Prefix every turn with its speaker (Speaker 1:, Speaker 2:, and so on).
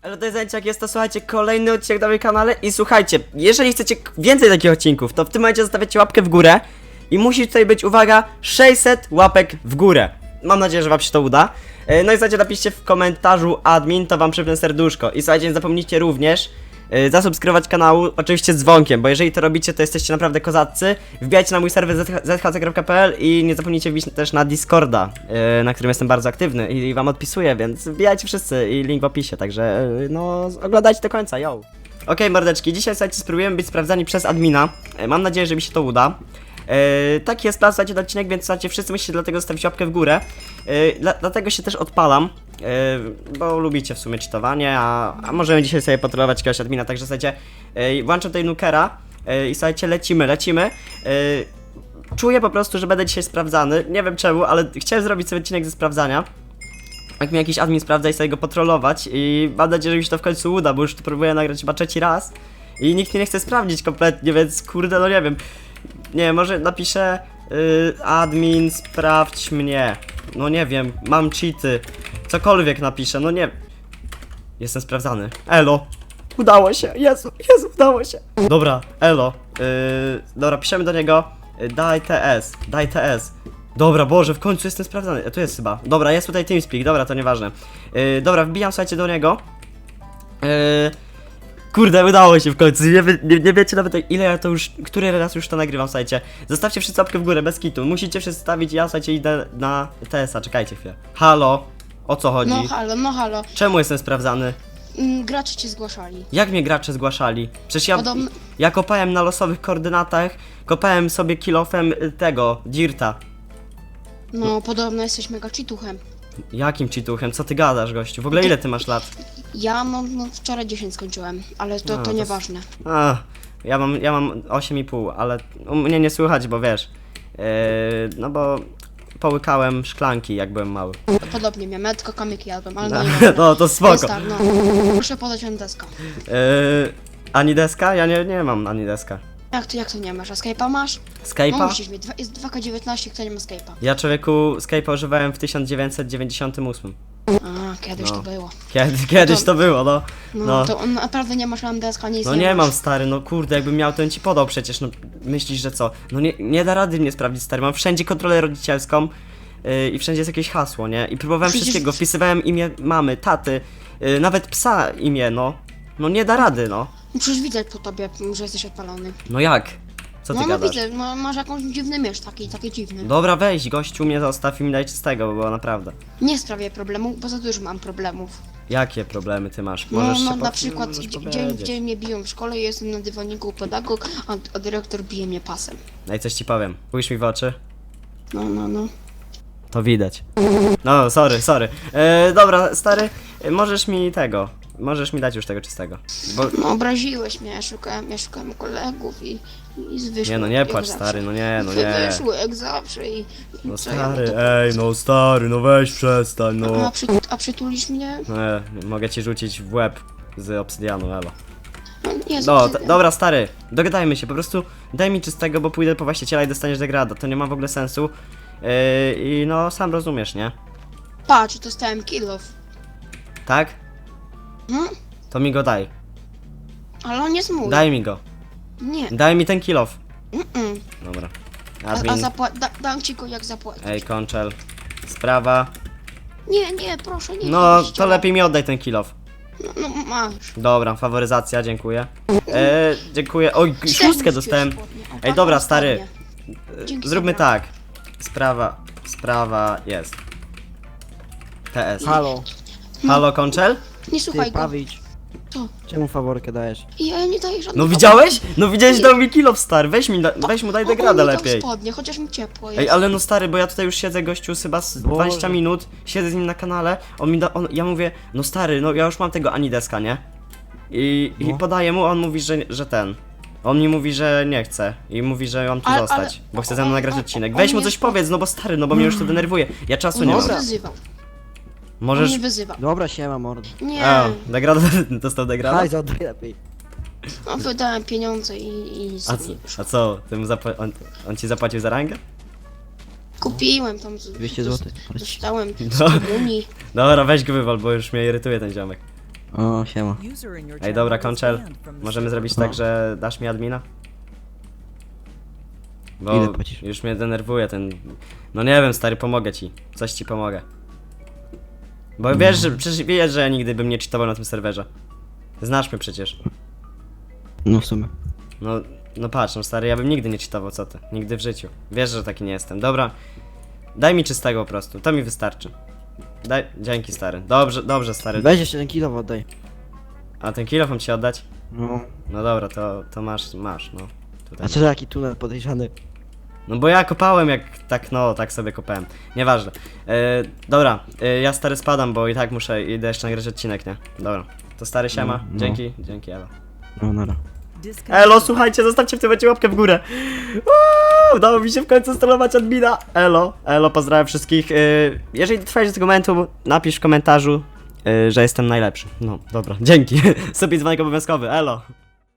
Speaker 1: Ale to jest jak jest to, słuchajcie, kolejny odcinek na moim kanale i słuchajcie, jeżeli chcecie więcej takich odcinków, to w tym momencie zostawiacie łapkę w górę i musi tutaj być, uwaga, 600 łapek w górę. Mam nadzieję, że wam się to uda. No i słuchajcie, napiszcie w komentarzu admin, to wam przypnę serduszko. I słuchajcie, nie zapomnijcie również zasubskrybować kanału, oczywiście z dzwonkiem, bo jeżeli to robicie, to jesteście naprawdę kozaccy. Wbijajcie na mój serwer zhc.pl i nie zapomnijcie wbić też na Discorda, na którym jestem bardzo aktywny i wam odpisuję, więc wbijajcie wszyscy i link w opisie, także no oglądajcie do końca, yo! Okej, mordeczki, dzisiaj słuchajcie, spróbujemy być sprawdzani przez admina. Mam nadzieję, że mi się to uda. Taki jest plan, słuchajcie, odcinek, więc słuchajcie, wszyscy musicie dlatego zostawić łapkę w górę. Dlatego się też odpalam, bo lubicie w sumie cheatowanie, a możemy dzisiaj sobie patrolować jakiegoś admina, także słuchajcie, włączam tutaj nukera i słuchajcie, lecimy. Czuję po prostu, że będę dzisiaj sprawdzany, nie wiem czemu, ale chciałem zrobić sobie odcinek ze sprawdzania. Jak mi jakiś admin sprawdza i sobie go patrolować i mam nadzieję, że mi się to w końcu uda, bo już to próbuję nagrać chyba trzeci raz i nikt mnie nie chce sprawdzić kompletnie, więc kurde, no nie wiem. Nie, może napiszę admin, sprawdź mnie. No nie wiem, mam cheaty. Cokolwiek napiszę, no nie. Jestem sprawdzany. Elo. Udało się, Jezu, udało się. Dobra, elo. Dobra, piszemy do niego. Daj TS. Dobra, Boże, w końcu jestem sprawdzany. Tu jest chyba. Dobra, jest tutaj TeamSpeak, dobra, to nieważne. Dobra, wbijam, słuchajcie, do niego. Kurde, udało się w końcu, nie wiecie nawet ile ja to już, który raz już to nagrywam, słuchajcie. Zostawcie wszyscy łapkę w górę, bez kitu, musicie wszyscy stawić, ja słuchajcie idę na TS-a, czekajcie chwilę. Halo, o co chodzi?
Speaker 2: No halo.
Speaker 1: Czemu jestem sprawdzany?
Speaker 2: Gracze cię zgłaszali.
Speaker 1: Jak mnie gracze zgłaszali? Przecież
Speaker 2: Podobno-
Speaker 1: ja kopałem na losowych koordynatach, kopałem sobie kilofem tego, Dirta.
Speaker 2: No, podobno jesteś mega cheatuchem.
Speaker 1: Jakim cheatuchem? Co ty gadasz, gościu? W ogóle ile ty masz lat?
Speaker 2: Ja no wczoraj 10 skończyłem, ale to
Speaker 1: to
Speaker 2: nieważne.
Speaker 1: Ja mam 8,5, ale u mnie nie słychać, bo wiesz, no bo połykałem szklanki jak byłem mały.
Speaker 2: Podobnie miałem, ja tylko kamyki jadłem, ale
Speaker 1: No,
Speaker 2: no nieważne.
Speaker 1: no to spoko.
Speaker 2: Jest tak, no. Proszę podać deska.
Speaker 1: Ani deska? Ja nie mam ani deska.
Speaker 2: Jak to nie masz? A Skype'a masz? No
Speaker 1: Skype'a?
Speaker 2: musisz mieć, jest 2K19, kto nie ma Skype'a.
Speaker 1: Ja człowieku Skype'a używałem w 1998.
Speaker 2: A, kiedyś
Speaker 1: No.
Speaker 2: to było.
Speaker 1: Kiedyś to było, no.
Speaker 2: No, to on naprawdę nie masz deska, nic
Speaker 1: No
Speaker 2: nie
Speaker 1: nie
Speaker 2: masz.
Speaker 1: mam, stary, no kurde, jakbym miał, to bym ci podał przecież, no myślisz, że co? No nie da rady mnie sprawdzić, stary, mam wszędzie kontrolę rodzicielską i wszędzie jest jakieś hasło, nie? I próbowałem
Speaker 2: Przecież-
Speaker 1: wszystkiego, wpisywałem imię mamy, taty, nawet psa imię, no. No nie da rady, no.
Speaker 2: Przecież widać po tobie, że jesteś odpalony.
Speaker 1: No jak? Co ty
Speaker 2: No
Speaker 1: gadasz?
Speaker 2: widzę, masz jakąś dziwny mysz, taki dziwny.
Speaker 1: Dobra, weź, gościu, mnie zostaw i mi daj czystego, bo było naprawdę.
Speaker 2: Nie sprawię problemu, bo za dużo mam problemów.
Speaker 1: Jakie problemy ty masz?
Speaker 2: No,
Speaker 1: Możesz się
Speaker 2: na przykład
Speaker 1: możesz
Speaker 2: gdzie
Speaker 1: powiedzieć.
Speaker 2: mnie biją w szkole, jestem na dywaniku u pedagog, a dyrektor bije mnie pasem.
Speaker 1: No i coś ci powiem, pójrz mi w oczy.
Speaker 2: No.
Speaker 1: To widać. No, sorry. Dobra, stary, możesz mi dać już tego czystego. Bo...
Speaker 2: No obraziłeś mnie, ja szukałem kolegów i wyszło.
Speaker 1: Nie no, nie płacz, stary, no nie.
Speaker 2: Wyszło jak zawsze i...
Speaker 1: No
Speaker 2: co ja
Speaker 1: stary,
Speaker 2: to-
Speaker 1: no stary, no weź przestań, no.
Speaker 2: A przytulisz mnie?
Speaker 1: Mogę ci rzucić w łeb z obsydianu, elo.
Speaker 2: No nie,
Speaker 1: No, dobra, stary, dogadajmy się, po prostu daj mi czystego, bo pójdę po właściciela i dostaniesz degrada, to nie ma w ogóle sensu. I no, sam rozumiesz, nie?
Speaker 2: Patrz, dostałem kill off.
Speaker 1: Tak?
Speaker 2: Hmm?
Speaker 1: To mi go daj.
Speaker 2: Ale on jest mój.
Speaker 1: Daj mi go.
Speaker 2: Nie.
Speaker 1: Daj mi ten kill off.
Speaker 2: Mm-mm.
Speaker 1: Dobra.
Speaker 2: A
Speaker 1: Admin,
Speaker 2: dam ci go jak zapłacisz.
Speaker 1: ej, konczel. Sprawa.
Speaker 2: Nie, proszę, nie.
Speaker 1: No,
Speaker 2: nie,
Speaker 1: to lepiej mi oddaj ten kill off.
Speaker 2: No masz.
Speaker 1: Dobra, faworyzacja, dziękuję. Dziękuję. Oj, szóstkę dostałem. Ej,
Speaker 2: Ej,
Speaker 1: dobra, stary.
Speaker 2: Dzięki,
Speaker 1: Zróbmy
Speaker 2: dobra.
Speaker 1: tak. Sprawa jest. TS.
Speaker 3: Halo,
Speaker 1: Halo, konczel?
Speaker 2: Nie
Speaker 3: ty
Speaker 2: słuchaj go.
Speaker 3: Pawić.
Speaker 2: Co?
Speaker 3: Czemu faworkę dajesz?
Speaker 2: Ja nie daję żadnego.
Speaker 1: No widziałeś? No widziałeś, dał mi kill off, stary. Weź mu daj degrada lepiej.
Speaker 2: Spodnie, chociaż mi ciepło jest.
Speaker 1: Ej, ale no stary, bo ja tutaj już siedzę, gościu, chyba z 20
Speaker 3: Boże.
Speaker 1: minut, siedzę z nim na kanale, ja mówię, no stary, no ja już mam tego Anideska, nie? I
Speaker 3: No.
Speaker 1: podaję mu, a on mówi, że ten. On mi mówi, że nie chce i mówi, że mam tu
Speaker 2: Ale-
Speaker 1: zostać, bo chce ze mną
Speaker 2: on-
Speaker 1: nagrać
Speaker 2: on-
Speaker 1: odcinek.
Speaker 2: on
Speaker 1: Weź mu
Speaker 2: mnie
Speaker 1: coś
Speaker 2: spo-
Speaker 1: powiedz, no bo stary, no bo mnie już to denerwuje. Ja czasu
Speaker 2: On
Speaker 1: nie
Speaker 2: mnie
Speaker 1: mam.
Speaker 2: wyzywał. On
Speaker 1: Możesz...
Speaker 2: mnie wyzywał.
Speaker 3: Dobra, siema mordo.
Speaker 2: Nie,
Speaker 1: A, degrada, dostał degrada?
Speaker 3: Hajs, oddaj lepiej.
Speaker 2: no wydałem pieniądze i
Speaker 1: A,
Speaker 2: sobie
Speaker 1: a co, ty mu on ci zapłacił za rangę?
Speaker 2: kupiłem tam
Speaker 3: 200 zł.
Speaker 2: Dostałem
Speaker 1: No.
Speaker 2: z komunii.
Speaker 1: Dobra, weź go wywal, bo już mnie irytuje ten ziomek.
Speaker 3: O, siema.
Speaker 1: Ej, dobra, Konczel, możemy zrobić tak, że dasz mi admina? Bo
Speaker 3: Ile płacisz?
Speaker 1: już mnie denerwuje ten... No nie wiem, stary, pomogę ci. Coś ci pomogę. Bo wiesz, że przecież wiesz, że ja nigdy bym nie cheatował na tym serwerze. Znasz mnie przecież.
Speaker 3: No w sumie.
Speaker 1: No patrz, no stary, ja bym nigdy nie cheatował, co ty? Nigdy w życiu. Wiesz, że taki nie jestem. Dobra, daj mi czystego po prostu, to mi wystarczy. Dzięki, stary. Dobrze, stary.
Speaker 3: Weź jeszcze ten kilo oddaj.
Speaker 1: A ten kilof mam ci oddać?
Speaker 3: No.
Speaker 1: No dobra, to masz, no. Tutaj.
Speaker 3: A co za taki tunel podejrzany?
Speaker 1: No bo ja kopałem jak tak, no, tak sobie kopałem. Nieważne. Dobra, ja stary spadam, bo i tak idę jeszcze nagrać odcinek, nie? Dobra. To stary siema,
Speaker 3: No.
Speaker 1: dzięki Elo.
Speaker 3: No, nara.
Speaker 1: Elo, słuchajcie, zostawcie w tym momencie łapkę w górę. Udało mi się w końcu strollować admina. Elo, pozdrawiam wszystkich. Jeżeli dotrwałeś do tego momentu, napisz w komentarzu, że jestem najlepszy. No, dobra, dzięki. Sobie dzwonek obowiązkowy, elo.